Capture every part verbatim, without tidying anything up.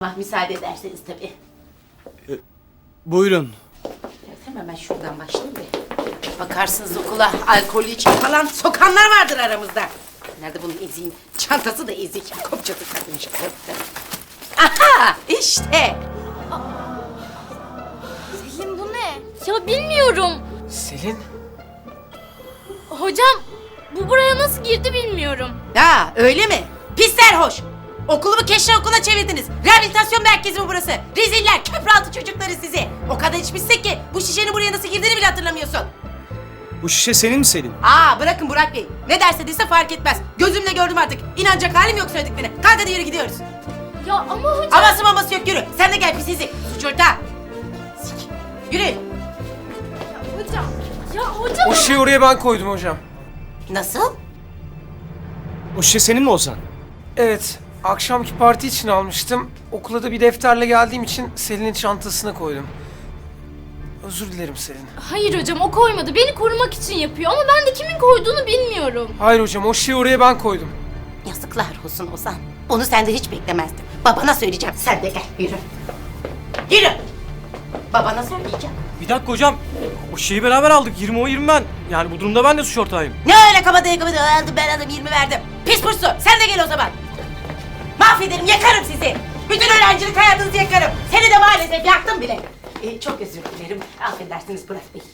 Ah, müsaade ederseniz tabii. E, buyurun. Evet, hemen ben şuradan başlayayım da. Bakarsınız okula alkollü içki falan sokanlar vardır aramızda. Nerede bunun eziğin? Çantası da ezik. Kopçası takmış. Aha işte. Selin bu ne? Ya bilmiyorum. Selin? Hocam bu buraya nasıl girdi bilmiyorum. Ya öyle mi? Pis serhoş. Okulumu keşke okula çevirdiniz. Rehabilitasyon merkezi mi burası? Reziller, köprü altı çocukları sizi. O kadar içmişsin ki bu şişenin buraya nasıl girdiğini bile hatırlamıyorsun. Bu şişe senin mi Selin? Aa bırakın Burak Bey. Ne derse dese fark etmez. Gözümle gördüm artık. İnanacak halim yok söylediklerine. Kalk hadi yürü gidiyoruz. Ya ama hocam. Aması maması yok yürü. Sen de gel pis izi. Suç ortağı. Sik. Yürü. Ya hocam. Ya hocam. O şeyi oraya ben koydum hocam. Nasıl? O şişe senin mi Ozan? Evet, akşamki parti için almıştım. Okula da bir defterle geldiğim için Selin'in çantasına koydum. Özür dilerim Selin. Hayır hocam o koymadı. Beni korumak için yapıyor ama ben de kimin koyduğunu bilmiyorum. Hayır hocam, o şeyi oraya ben koydum. Yazıklar olsun Ozan. Onu senden hiç beklemezdim. Babana söyleyeceğim. Sen de gel yürü. Yürü. Babana söyleyeceğim. Bir dakika hocam. O şeyi beraber aldık. yirmi o yirmi ben. Yani bu durumda ben de suç ortağıyım. Ne öyle kabadayı kabadayı aldım ben aldım yirmi verdim. Pis pursu sen de gel o zaman. Mahvederim yakarım sizi. Bütün öğrencilik hayatınızı yakarım. Seni de maalesef yaktım bile. Ee, çok özür dilerim. Affedersiniz Burak Bey.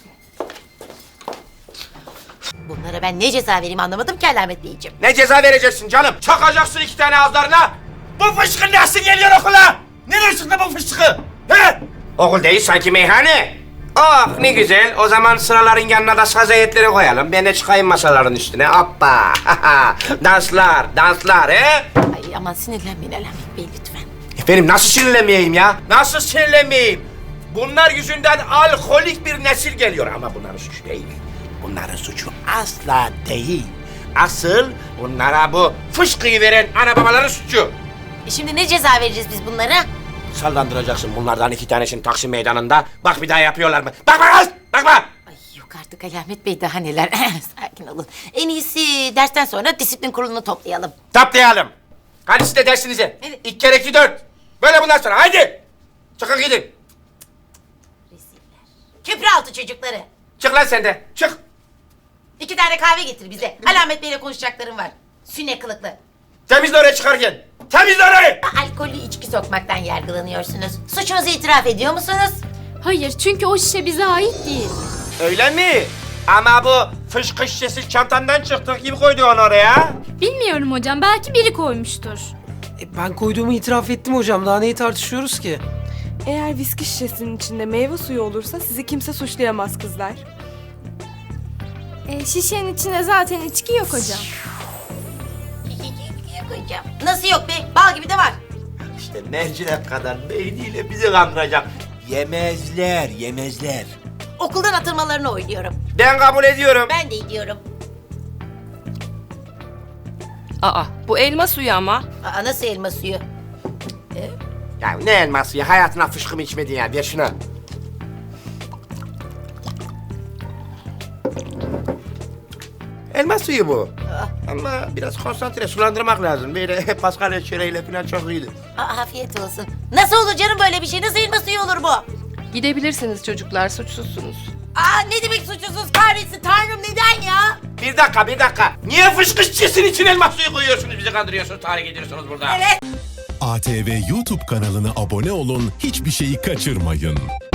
Bunlara ben ne ceza vereyim anlamadım ki Alamet Beyciğim. Ne ceza vereceksin canım? Çakacaksın iki tane ağızlarına. Bu fışkı nasıl geliyor okula? Nereye çıktı bu fışkı? He? Okul değil sanki meyhane. Oh ne güzel. O zaman sıraların yanına da saz heyetleri koyalım. Ben de çıkayım masaların üstüne. Hoppa. Danslar, danslar he? Ay aman sinirlenmeyin Alamet Bey lütfen. Efendim nasıl sinirlenmeyeyim ya? Nasıl sinirlenmeyeyim? Bunlar yüzünden alkolik bir nesil geliyor ama bunların suçu değil. Bunların suçu asla değil. Asıl bunlara bu fışkıyı veren ana babaların suçu. E şimdi ne ceza vereceğiz biz bunlara? Sallandıracaksın bunlardan iki tanesini Taksim Meydanı'nda. Bak bir daha yapıyorlar mı? Bakma kız! Bakma! Ay yok artık Alamet Bey daha neler. Sakin olun. En iyisi dersten sonra disiplin kurulunu toplayalım. Taplayalım. Hadi siz de dersinize. Evet. İki kere iki dört. Böyle bundan sonra haydi. Çıkın gidin. Reziller. Köprü altı çocukları. Çık lan sen de. Çık. İki tane kahve getir bize. Alamet Bey'le konuşacaklarım var. Sünne kılıklı. Temizle orayı çıkarken. Temizle orayı. Alkollü içki sokmaktan yargılanıyorsunuz. Suçunuzu itiraf ediyor musunuz? Hayır çünkü o şişe bize ait değil. Öyle mi? Ama bu fışkı şişesi çantandan çıktı. Kim koydu onu oraya? Bilmiyorum hocam belki biri koymuştur. E, ben koyduğumu itiraf ettim hocam. Daha neyi tartışıyoruz ki? Eğer viski şişesinin içinde meyve suyu olursa sizi kimse suçlayamaz kızlar. E, şişenin içinde zaten içki yok hocam. Koyacağım. Nasıl yok be? Bal gibi de var. İşte mercimek kadar beyniyle bizi kandıracak. Yemezler, yemezler. Okuldan atılmalarını oynuyorum. Ben kabul ediyorum. Ben de ediyorum. Aa, bu elma suyu ama. Aa, nasıl elma suyu? Ya ne elması ya? Hayatına fışkı mı içmedin ya? Ver şunu. Elma suyu bu. Ama biraz konsantre sulandırmak lazım. Böyle Paskalya çöreğiyle falan çok iyidir. Aa, afiyet olsun. Nasıl olur canım böyle bir şey? Nasıl elma suyu olur bu? Gidebilirsiniz çocuklar, suçsuzsunuz. Aa ne demek suçsuzuz kahretsin tanrım neden ya? Bir dakika, bir dakika. Niye fışkı şişesinin için elma suyu koyuyorsunuz? Bizi kandırıyorsunuz, tahrik ediyorsunuz burada. Evet. A T V YouTube kanalına abone olun, hiçbir şeyi kaçırmayın.